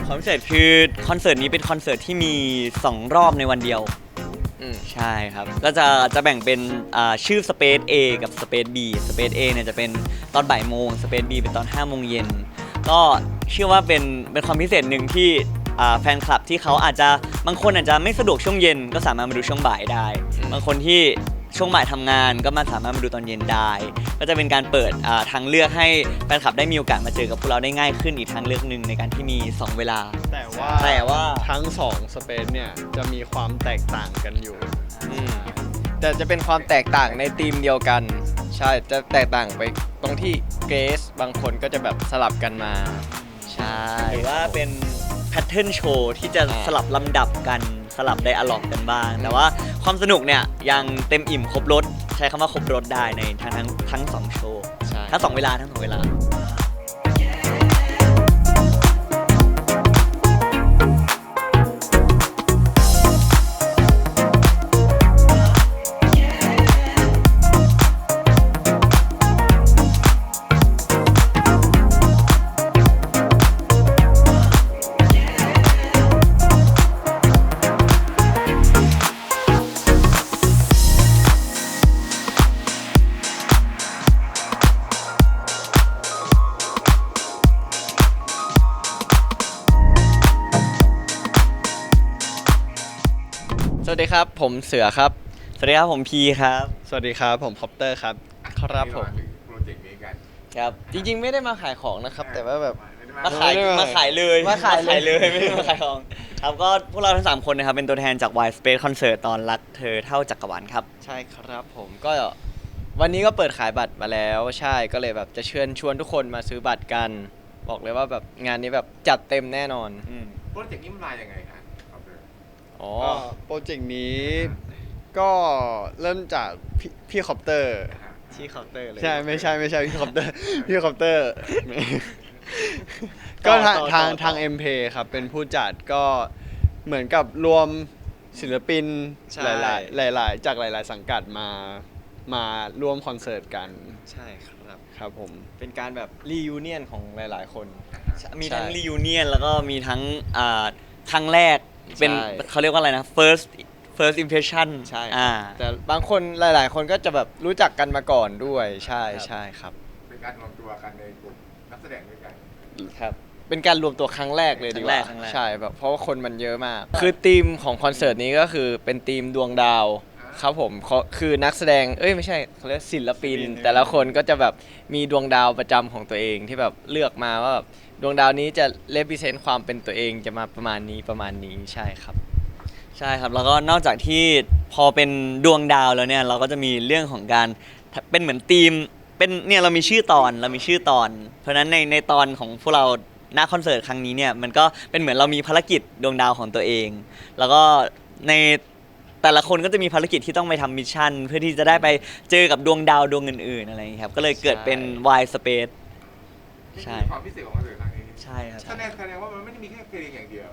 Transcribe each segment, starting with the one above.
ความพิเศษคือคอนเสิร์ตนี้เป็นคอนเสิร์ตที่มี2รอบในวันเดียวใช่ครับก็จะแบ่งเป็นชื่อ Space A กับ Space B Space A เนี่ยจะเป็นตอนบ่ายโมง Space B เป็นตอน5โมงเย็นก็เชื่อว่าเป็นความพิเศษหนึ่งที่แฟนคลับที่เขาอาจจะบางคนอาจจะไม่สะดวกช่วงเย็นก็สามารถมาดูช่วงบ่ายได้บางคนที่ช่วงบ่ายทำงานก็สามารถมาดูตอนเย็นได้ก็จะเป็นการเปิดทางเลือกให้แฟนคลับได้มีโอกาสมาเจอกับพวกเราได้ง่ายขึ้นอีกทางเลือกหนึ่งในการที่มี2เวลาแต่ว่าทั้ง2สเปซเนี่ยจะมีความแตกต่างกันอยู่แต่จะเป็นความแตกต่างในธีมเดียวกันใช่จะแตกต่างไปตรงที่เกสบางคนก็จะแบบสลับกันมาใช่หรือว่าเป็นแพทเทิร์นโชว์ที่จะสลับลำดับกันสลับไดอะล็อกกันบ้างแต่ว่าความสนุกเนี่ยยังเต็มอิ่มครบรสใช้คำว่าครบรสได้ในทั้ง2โชว์ทั้ง2เวลาสวัสดีครับผมเสือครับสวัสดีครับผมพีครับสวัสดีครับผมคอปเตอร์ครับครับผมโปรเจกต์นี้กันครับจริงๆไม่ได้มาขายของนะครับแต่ว่าแบบมาขายเลยไม่ได้มาขายของครับก็พวกเราทั้ง3คนนะครับเป็นตัวแทนจาก Y Space Concert ตอนรักเธอเท่าจักรวาลครับใช่ครับผมก็วันนี้ก็เปิดขายบัตรมาแล้วใช่ก็เลยแบบจะเชิญชวนทุกคนมาซื้อบัตรกันบอกเลยว่าแบบงานนี้แบบจัดเต็มแน่นอนโปรเจกต์นี้มันมาอย่างไงครับอ๋อโปรเจกต์นี้ก็เริ่มจากพี่คอปเตอร์ที่เคาน์เตอร์เลยใช่ไม่ใช่พี่คอปเตอร์พี่คอปเตอร์ก็ทาง MP ครับเป็นผู้จัดก็เหมือนกับรวมศิลปินหลายจากหลายสังกัดมาร่วมคอนเสิร์ตกันใช่ครับครับผมเป็นการแบบรียูเนียนของหลายๆคนมีทั้งรียูเนียนแล้วก็มีทั้งครั้งแรกเป็นเขาเรียกว่าอะไรนะ first impression ใช่แต่บางคนหลายๆคนก็จะแบบรู้จักกันมาก่อนด้วยใช่ครับเป็นการรวมตัวกันในกลุ่มนักแสดงด้วยกันครับเป็นการรวมตัวครั้งแรกเลยดีกว่าใช่แบบเพราะว่าคนมันเยอะมากคือธีมของคอนเสิร์ตนี้ก็คือเป็นธีมดวงดาวครับผมคือนักแสดงไม่ใช่เขาเรียกศิลปินแต่ละคนก็จะแบบมีดวงดาวประจำของตัวเองที่แบบเลือกมาว่าแบบดวงดาวนี้จะrepresentความเป็นตัวเองจะมาประมาณนี้ใช่ครับแล้วก็นอกจากที่พอเป็นดวงดาวแล้วเนี่ยเราก็จะมีเรื่องของการเป็นเหมือนธีมเป็นเนี่ยเรามีชื่อตอนเพราะฉะนั้นในตอนของพวกเราหน้าคอนเสิร์ตครั้งนี้เนี่ยมันก็เป็นเหมือนเรามีภารกิจดวงดาวของตัวเองแล้วก็ในแต่ละคนก็จะมีภารกิจที่ต้องไปทำมิชชั่นเพื่อที่จะได้ไปเจอกับดวงดาวดวงอื่นๆอะไรอย่างนี้ครับก็เลยเกิดเป็น Y Space ใช่ความพิเศษของคอนเสิร์ตครั้งนี้ใช่ครับแสดงว่ามันไม่ได้มีแค่เพลงอย่างเดียว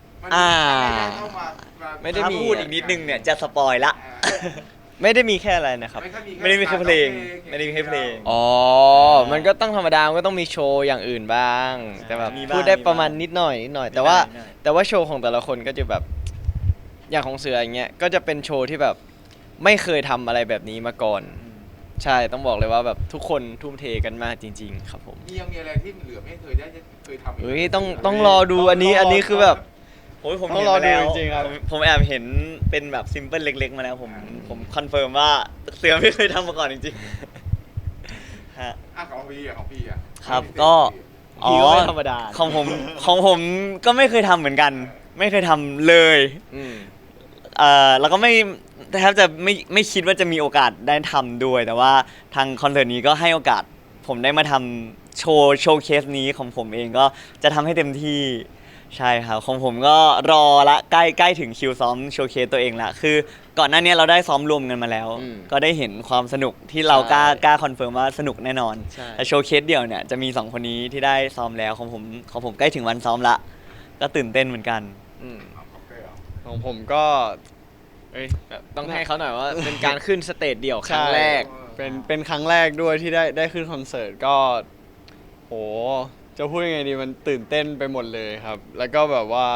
ไม่ได้พูดอีกนิดนึงเนี่ยจะสปอยละไม่ได้มีแค่อะไรนะครับไม่ได้มีแค่เพลงมันก็ต้องธรรมดาก็ต้องมีโชว์อย่างอื่นบ้างแต่แบบพูดได้ประมาณนิดหน่อยแต่ว่าโชว์ของแต่ละคนก็จะแบบอย่างของเสืออย่างเงี้ยก็จะเป็นโชว์ที่แบบไม่เคยทำอะไรแบบนี้มาก่อนใช่ต้องบอกเลยว่าแบบทุกคนทุ่มเทกันมากจริงๆครับผมยังมีอะไรที่เหลือไม่เคยทำต้องรอดูอันนี้คือแบบผมต้องรอดูจริงๆครับผมแอบเห็นเป็นแบบซิมเปิลเล็กๆมาแล้วผมคอนเฟิร์มว่าเสือไม่เคยทำมาก่อนจริงๆฮะของพี่ครับก็ธรรมดาของผมก็ไม่เคยทำเหมือนกันไม่เคยทำเลยแล้วก็ไม่แทบจะไม่คิดว่าจะมีโอกาสได้ทำด้วยแต่ว่าทางคอนเสิร์ตนี้ก็ให้โอกาสผมได้มาทำโชว์เคสนี้ของผมเองก็จะทำให้เต็มที่ใช่ครับของผมก็รอละใกล้ถึงคิวซ้อมโชว์เคสตัวเองละคือก่อนหน้านี้เราได้ซ้อมรวมกันมาแล้วก็ได้เห็นความสนุกที่เรากล้าคอนเฟิร์มว่าสนุกแน่นอนแต่โชว์เคสเดี่ยวเนี่ยจะมี2คนนี้ที่ได้ซ้อมแล้วของผมใกล้ถึงวันซ้อมละก็ตื่นเต้นเหมือนกันของผมก็ต้องให้เขาหน่อยว่าเป็นการขึ้นสเตจเดี่ยวครั้งแรกเป็นครั้งแรกด้วยที่ได้ขึ้นคอนเสิร์ตก็โหจะพูดยังไงดีมันตื่นเต้นไปหมดเลยครับ แล้วก็แบบว่า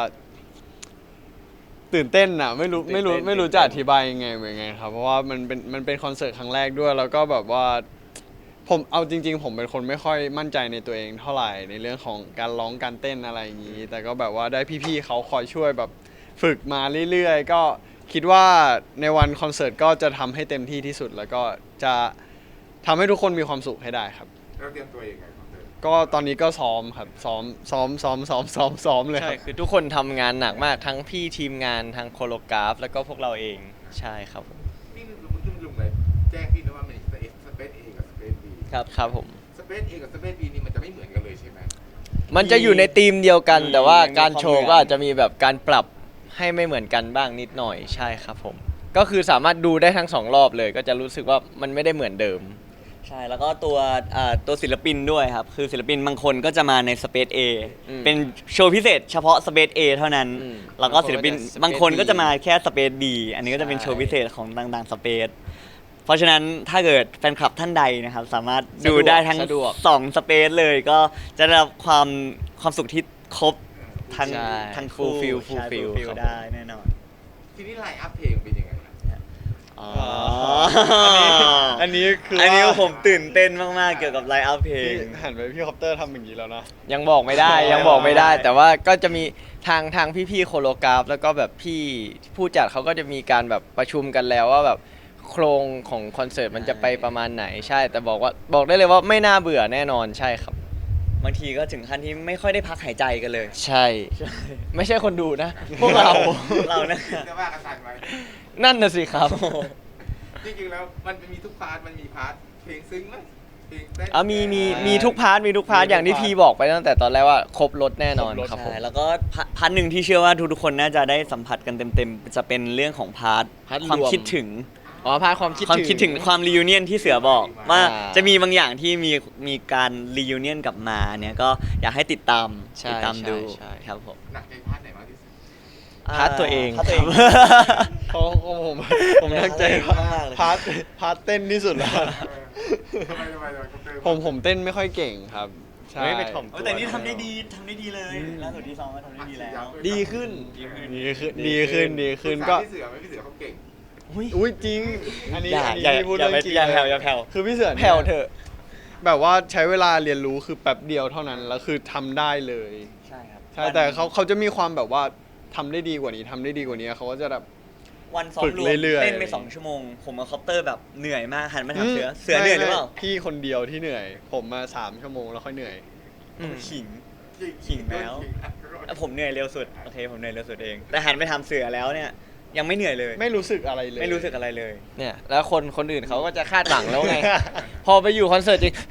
ตื่นเต้นอ่ะไม่รู้จะอธิบายยังไงเหมือนไงครับเพราะว่ามันเป็นคอนเสิร์ตครั้งแรกด้วย แล้วก็แบบว่าผมเอาจริง ๆ ผมเป็นคนไม่ค่อยมั่นใจในตัวเองเท่าไหร่ในเรื่องของการร้องการเต้นอะไรอย่างนี้ แต่ก็แบบว่าได้พี่ๆเขาคอยช่วยแบบฝึกมาเรื่อยๆก็คิดว่าในวันคอนเสิร์ตก็จะทำให้เต็มที่ที่สุด แล้วก็จะทำให้ทุกคนมีความสุขให้ได้ครับเราเตรียมตัวยังไงคอนเสิร์ตก็ตอนนี้ก็ซ้อมครับซ้อมเลยคใช่รับคือทุกคนทำงานหนักมากทั้งพี่ทีมงานทั้งโคโลกราฟ แล้วก็พวกเราเองใช่ครับผมนี่ลุงเลยแจ้งพี่นะว่ามันสเปซเอกับสเปซบีครับผมสเปซเอกับสเปซบีนี่มันจะไม่เหมือนกันเลยใช่ไหมมันจะอยู่ในธีมเดียวกันมีแต่ว่ามีการโชว์ความเหมือนก็อาจจะมีแบบการปรับให้ไม่เหมือนกันบ้างนิดหน่อยใช่ครับผม ก็คือสามารถดูได้ทั้ง2 รอบเลย ก็จะรู้สึกว่ามันไม่ได้เหมือนเดิมใช่แล้วก็ตัวศิลปินด้วยครับ คือศิลปินบางคนก็จะมาใน Space A อืมเป็นโชว์พิเศษเฉพาะ Space A เท่านั้นอืมแล้วก็ศิลปินบาบาง งคคน นก็ก็จะจะมา Space B แค่ Space B อันนี้ก็จะเป็นใช่โชว์พิเศษของต่างๆ Space เพราะฉะนั้นถ้าเกิดแฟนคลับท่านใดนะครับ สามารถดูได้ทั้งสะดวก 2 Space เลยก็จะได้รับความสุขที่ครบทั้งใช่ทั้งคู่ Full ใช่ feel fulfill ครับได้แน่นอนทีนี้ไลน์อัพเพลงเป็นยังไงล่ะอ๋ออันนี้คืออันนี้ว่าผมตื่นเต้นมากๆเกี่ยวกับไลฟ์อัพเพลงพี่หันไปพี่คอปเตอร์ทำอย่างนี้แล้วนะยังบอกไม่ได้ ยังบอกไม่ได้ แต่ว่าก็จะมีทางพี่ๆโคโลกราฟ แล้วก็แบบพี่ผู้จัดเขาก็จะมีการแบบประชุมกันแล้วว่าแบบโครงของคอนเสิร์ตมันจะไปประมาณไหนใช่ แต่บอกได้เลยว่าไม่น่าเบื่อแน่นอนใช่ครับบางทีก็ถึงขั้นที่ไม่ค่อยได้พักหายใจกันเลยใช่ ไม่ใช่คนดูนะ พวกเราเรานะจะว่ากันทันไหมนั่นน่ะสิครับจริงๆแล้วมันมีทุกพาร์ทมันมีพาร์ทเพลงซึ้งไหมเพลงเต้นมีทุกพาร์ทมีทุกพาร์ทอย่างที่พี่บอกไปตั้งแต่ตอนแรกว่าครบรถแน่นอนครบรสครับผมใช่แล้วก็พาร์ทหนึ่งที่เชื่อว่าทุกๆคนน่าจะได้สัมผัสกันเต็มๆ จะเป็นเรื่องของพาร์ทพาร์ทความรวมคิดถึงอ๋อพาร์ทความคิดความคิดถึงความรี u n เนียนที่เสือบอกว่าอ่าจะมีบางอย่างที่มีการรี u n เนียนกลับมาเนี่ยก็อยากให้ติดตามใช่ติดตามดูใช่ครับผมหนักใจพาร์ทไหนมากที่สุดพาร์ทตัวเองพาร์ทตัวเองเพราะผมตั้งใจว่ามากเลยพาร์ทเต้นที่สุดแล้วทำไมคอปเตอร์ผมเต้นไม่ค่อยเก่งครับใช่เฮ้ยไปถ่อมแต่นี่ทำได้ดีเลยล่าสุดที่ซ้อมก็ทำได้ดีแล้วดีขึ้นดีขึ้นก็พี่เสือไม่พี่เสือเขาเก่งอุ้ยจริง อันนี้อย่าพี่พูดอย่าเรื่องจริงอย่าเลแผ่วอย่าแผ่วคือพี่เสือนี่ยแผ่วเถอะแบบว่าใช้เวลาเรียนรู้คือแป๊บเดียวเท่านั้นแล้วคือทำได้เลยใช่ครับใช่แต่เขาจะมีความแบบว่าทำได้ดีกว่านี้เขาก็จะแบบวันซ้อฝึมกรวมเรื่อยๆเต้นไป2 ชั่วโมง ผมกับคอปเตอร์แบบเหนื่อยมากหันมาถามเสือเหนื่อยหรือเปล่าพี่คนเดียวที่เหนื่อย ผมมา3 ชั่วโมงแล้วค่อยเหนื่อยขิง ขิงแล้ว ผมเหนื่อยเร็วสุดโอเคผมเหนื่อยเร็วสุดเอง แต่หันไปทำเสือแล้วเนี่ยยังไม่เหนื่อยเลยไม่รู้สึกอะไรเลยไม่รู้สึกอะไรเลยเนี่ยแล้วคนอื่นเขาก็จะคาดหวังแล้วไง พอไปอยู่คอนเสิร์ตจริง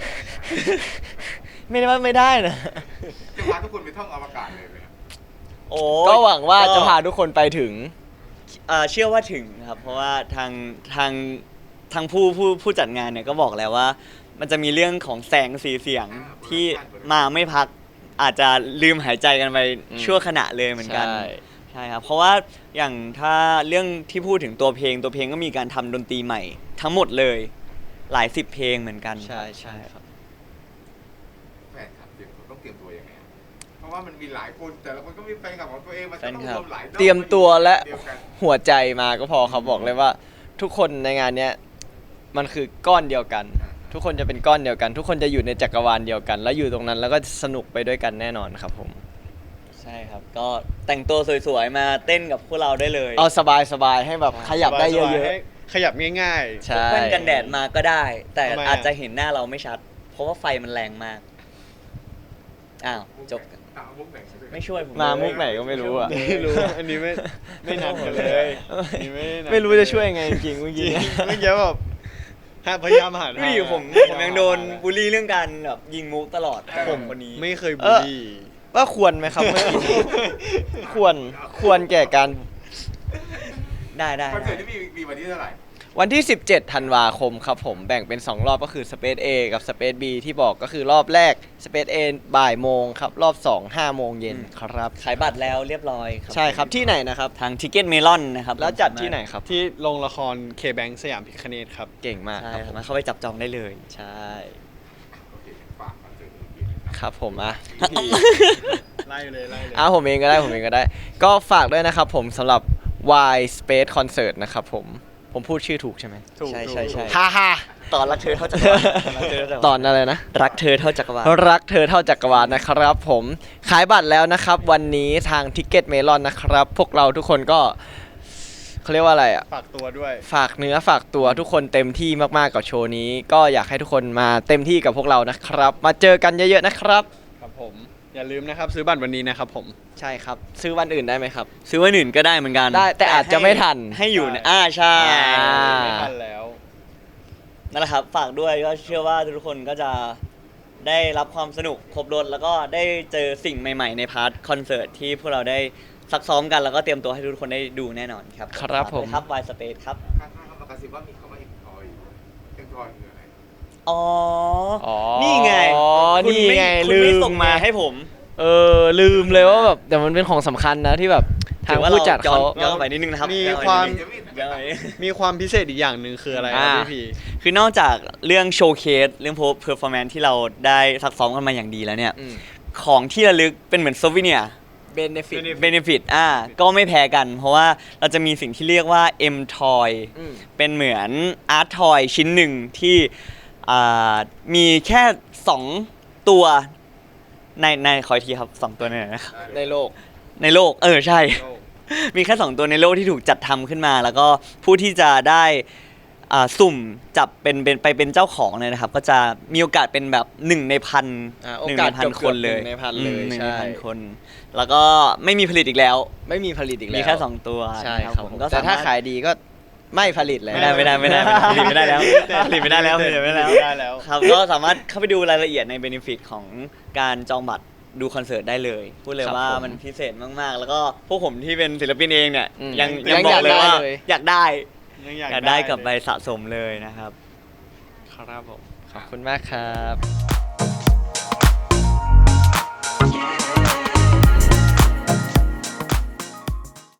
ไม่ได้นะจะพาทุกคนไปท่องอวกาศเลยไหมโอ้ก็หวังว่าจะพาทุกคนไปถึงเชื่อว่าถึงครับ เพราะว่าทางผู้จัดงานเนี่ยก็บอกแล้วว่า มันจะมีเรื่องของแสงสีเสียงที่มาไม่พักอาจจะลืมหายใจกันไปอืมชั่วขณะเลยเหมือนกันใช่ใช่ครับ เพราะว่าอย่างถ้าเรื่องที่พูดถึงตัวเพลงก็มีการทำดนตรีใหม่ ทั้งหมดเลยหลาย10 เพลงเหมือนกันใช่ครับแฟนคลับต้องเตรียมตัวยังไงเพราะว่ามันมีหลายคนแต่ละคนก็มีแฟนคลับของตัวเองมันต้องรวมหลายเตรียมตัวและเดียวกันหัวใจมาก็พอเขาบอกเลยว่า ทุกคนในงานเนี้ยมันคือก้อนเดียวกัน ทุกคนจะเป็นก้อนเดียวกัน ทุกคนจะอยู่ในจักรวาลเดียวกัน แล้วอยู่ตรงนั้นแล้วก็สนุกไปด้วยกันแน่นอนครับผมใช่ครับ ก็แต่งตัวสวยๆมาเต้นกับพวกเราได้เลยเอาสบายๆให้แบบขยับได้เยสบาอะๆให้ขยับง่ายๆพกใช่แว่นกันแดดมาก็ได้ แต่ทำไมอะอาจจะเห็นหน้าเราไม่ชัด เพราะว่าไฟมันแรงมากอ้าวจบเอามุกไหนด้วยไม่ช่วยผมมาเลยมุกไหนก็ไม่รู้อ่ะไม่รู้อันนี้ไม่นัดกันเลยอันนี้ไม่นัดไม่รู้จะช่วยยังไงจริงๆเมื่อจริกี้งเมื่อกี้แบบพยายามหาดูดิผมยังโดนบูลลี่เรื่องการแบบยิงมุกตลอดผมคนนี้ไม่เคยบูลลี่ว่าควรไหมครับเมื่อกี้นี้ควรแก่การได้คอนเสิร์ตที่มีวันที่เท่าไหร่วันที่ 17 ธันวาคมครับผมแบ่งเป็น 2 รอบก็คือ Space A กับ Space B ที่บอกก็คือรอบแรก Space A บ่ายโมงครับ รอบ 2 5 โมงเย็นครับขายบัตรแล้วเรียบร้อยครับใช่ครับที่ไหนนะครับทางทิกเก็ตเมลอนนะครับแล้วจัดที่ไหนครับที่โรงละคร K-Bank สยามพิคเนตครับเก่งมากใช่ครับสามารถเข้าไปจับจองได้เลยใช่โอเคฝากคอนเสิร์ตนี้ครับผมอ่ะไล่เลยผมเองก็ได้ ก็ฝากด้วยนะครับผมสำหรับ Y Space Concert นะครับผมพูดชื่อถูกใช่ไหมใช่ใช่ใช่ฮ่าฮ่าตอนรักเธอเท่าจักรวาลตอนอะไรนะรักเธอเท่าจักรวาลรักเธอเท่าจักรวาลนะครับผมขายบัตรแล้วนะครับ วันนี้ทางทิกเก็ตเมลอนนะครับ พวกเราทุกคนก็เขาเรียกว่าอะไรอ่ะฝากตัวด้วยฝากเนื้อฝากตัวทุกคนเต็มที่มากๆกับโชว์นี้ ก็อยากให้ทุกคนมาเต็มที่กับพวกเรานะครับ มาเจอกันเยอะๆนะครับครับผม อย่าลืมนะครับซื้อบัตรวันนี้นะครับผมใช่ครับ ซื้อวันอื่นได้ไหมครับซื้อวันอื่นก็ได้เหมือนกันได้แต่อาจจะไม่ทันให้อยู่ในใช่ไม่ทันแล้วนั่นแหละครับฝากด้วยก็เชื่อว่าทุกคนก็จะได้รับความสนุกครบรถแล้วก็ได้เจอสิ่งใหม่ๆในพาร์ทคอนเสิร์ตที่พวกเราได้ซักซ้อมกันแล้วก็เตรียมตัวให้ทุกคนได้ดูแน่นอนครับครับผมฝากด้วยครับ Y Space ครับข้างๆเขามากระซิบว่ามีคำว่าเอ็มทอยเอ็มทอยคืออะไรอ๋ออ๋อนี่ไง คุณนี่ไงคุณไม่ลืมส่งมาให้ผมลืมเลยว่าแบบแต่มันเป็นของสำคัญนะที่แบบทางผู้จัดเขาย้อนไปนิดนึงนะครับมีย้อนไปความนิดนึงย้อนไปนิดนึงมีความพิเศษอีกอย่างหนึ่งคืออะไรครับพี่พีคือนอกจากเรื่องโชว์เคสเรื่องเพอร์ฟอร์แมนซ์ที่เราได้ซักซ้อมกันมาอย่างดีแล้วเนี่ย ของที่ระลึกเป็นเหมือนโซวิเนียเบนฟิตเบนฟิตก็ไม่แพ้กัน เพราะว่าเราจะมีสิ่งที่เรียกว่า M Toy เป็นเหมือนอาร์ตทอยชิ้นหนึ่งที่มีแค่ 2 ตัวในขออีกทีครับ 2 ตัวเนี่ยนะครับในโลกในโลกใช่ มีแค่ 2 ตัวในโลกที่ถูกจัดทำขึ้นมา แล้วก็ผู้ที่จะได้สุ่มจับเป็นเจ้าของเนี่ยนะครับ ก็จะมีโอกาสเป็นแบบ1 ในพันโอหนึ่งกาสในพันคนเลย 1 ในพันเลยหนึ่งใช่ในพันคน แล้วก็ไม่มีผลิตอีกแล้วไม่มีผลิตอีกแล้วมีแค่ 2 ตัวใช่นะครับ ผมก็แต่ถ้าสมรถขายดีก็ไม่ผลิตแล้วไม่ได้ผลิตไม่ได้แล้วผลิตไม่ได้แล้วครับก็สามารถเข้าไปดูรายละเอียดในเบนฟิตของการจองบัตรดูคอนเสิร์ตได้เลยพูดเลยครับว่าผมมันพิเศษมากๆ แล้วก็พวกผมที่เป็นศิลปินเองเนี่ยอืมยังยังบอกเลยว่าอยากได้อยากได้กลับไปสะสมเลยนะครับครับผมขอบคุณมากครับ